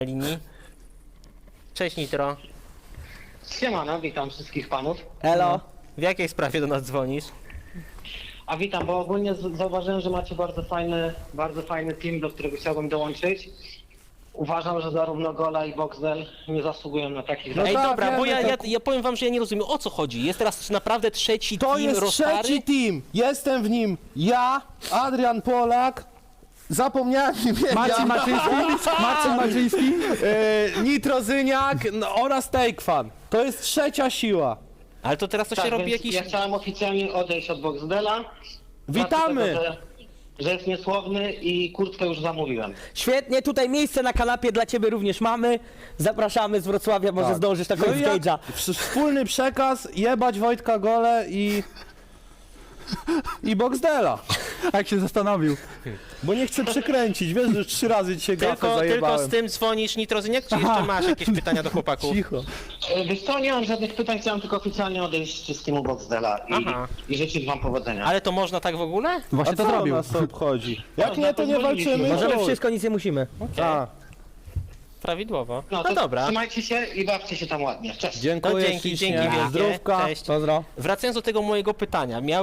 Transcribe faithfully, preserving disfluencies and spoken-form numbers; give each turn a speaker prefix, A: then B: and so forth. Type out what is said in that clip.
A: linii. Cześć Nitro.
B: Siemano, witam wszystkich panów.
C: Elo.
A: W jakiej sprawie do nas dzwonisz?
B: A witam, bo ogólnie z- zauważyłem, że macie bardzo fajny, bardzo fajny team, do którego chciałbym dołączyć. Uważam, że zarówno Gola i Boxdel nie zasługują na takich
C: No
A: Ej,
C: tak,
A: dobra, bo
C: wiemy,
A: ja, ja,
C: to-
A: ja powiem wam, że ja nie rozumiem, o co chodzi. Jest teraz naprawdę trzeci
C: To
A: team
C: jest
A: Rostary?
C: trzeci team. Jestem w nim ja, Adrian Polak. Zapomniałem imienia.
D: Marcin Maczyński, Marcin Maczyński.
C: e, Nitrozyniak no, oraz Takefan. To jest trzecia siła.
A: Ale to teraz to się
B: Tak,
A: robi
B: więc
A: jakiś...
B: ja chciałem oficjalnie odejść od Boxdela.
C: Witamy.
B: Dlatego, że, że jest niesłowny i kurtkę już zamówiłem.
E: Świetnie, tutaj miejsce na kanapie dla ciebie również mamy. Zapraszamy z Wrocławia, może
C: Tak.
E: zdążysz na
C: No
E: koniec
C: i jak-
E: stage'a.
C: w- Wspólny przekaz, jebać Wojtka Gole i... I Boxdela.
D: Jak się zastanowił.
C: Bo nie chcę przekręcić, wiesz, że trzy razy dzisiaj gafę
A: Tylko, tylko
C: zajebałem.
A: z tym dzwonisz Nitrozyniak, czy jeszcze masz jakieś pytania do chłopaków?
C: Cicho.
B: E, Wiesz co, nie mam żadnych pytań, chciałem tylko oficjalnie odejść z teamu Boxdela i,
A: Aha.
B: i życzyć wam powodzenia.
A: Ale to można tak w ogóle?
D: Właśnie
C: A
D: to
C: co
D: zrobił.
C: nas to obchodzi? Jak
B: No,
C: nie, to nie
B: pozwoliliśmy.
C: walczymy.
E: Możemy
C: chuj.
E: wszystko, nic nie musimy.
C: Tak.
A: Prawidłowo.
B: No,
A: No,
B: to
A: dobra.
B: trzymajcie się i bawcie się tam ładnie. Cześć.
C: Dziękuję
A: No, dzięki,
C: ślicznie.
A: dzięki wielkie.
C: Zdrówka.
A: Cześć.
E: Pozdro.
A: Wracając do tego mojego pytania. Miał